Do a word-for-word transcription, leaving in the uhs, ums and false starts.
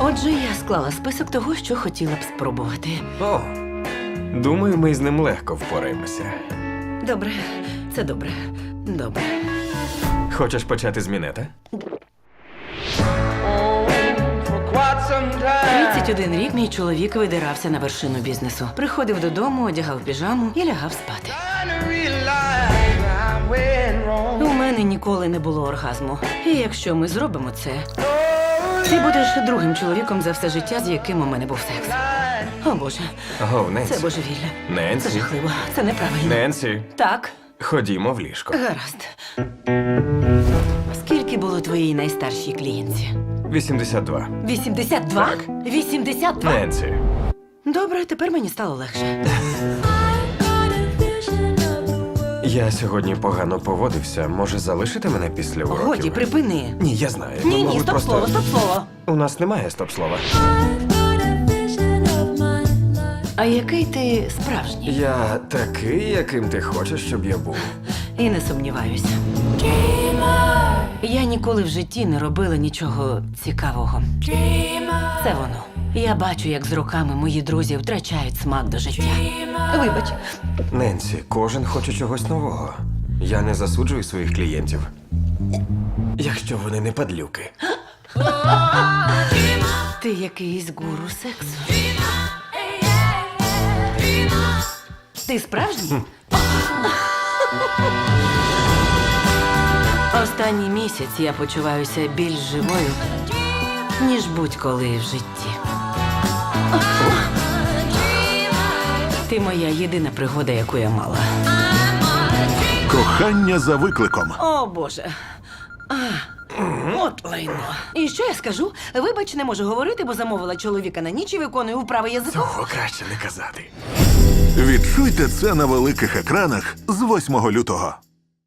Отже, я склала список того, що хотіла б спробувати. О, думаю, ми з ним легко впораємося. Добре, це добре. Добре. Хочеш почати з мінета? тридцять один рік мій чоловік видирався на вершину бізнесу. Приходив додому, одягав піжаму і лягав спати. У мене ніколи не було оргазму. І якщо ми зробимо це, ти будеш другим чоловіком за все життя, з яким у мене був секс. О, Боже, Гов, Ненсі. це божевілля. Це Ненсі. жахливо. Це неправильно. Ненсі, Так, ходімо в ліжко. гаразд. Скільки було твоїй найстаршій клієнтці? вісімдесят два. вісімдесят два? Так. вісімдесят два? Ненсі. Добре, тепер мені стало легше. Я сьогодні погано поводився. Може, залишити мене після уроків? Годі, припини. Ні, я знаю. Ми Ні, ні, могли стоп просто... слово, стоп слово. У нас немає стоп-слова. А який ти справжній? Я такий, яким ти хочеш, щоб я був. І не сумніваюся. Я ніколи в житті не робила нічого цікавого. Це воно. Я бачу, як з роками мої друзі втрачають смак до життя. Вибач. Ненсі, кожен хоче чогось нового. Я не засуджую своїх клієнтів. Якщо вони не падлюки. Ти якийсь гуру сексу. Ти справжній? Останній місяць я почуваюся більш живою, ніж будь-коли в житті. Ти моя єдина пригода, яку я мала. Кохання за викликом. О, Боже. А, от лайно. І що я скажу? Вибач, не можу говорити, бо замовила чоловіка на ніч і виконую вправи язиком. Цього краще не казати. Відчуйте це на великих екранах з восьмого лютого.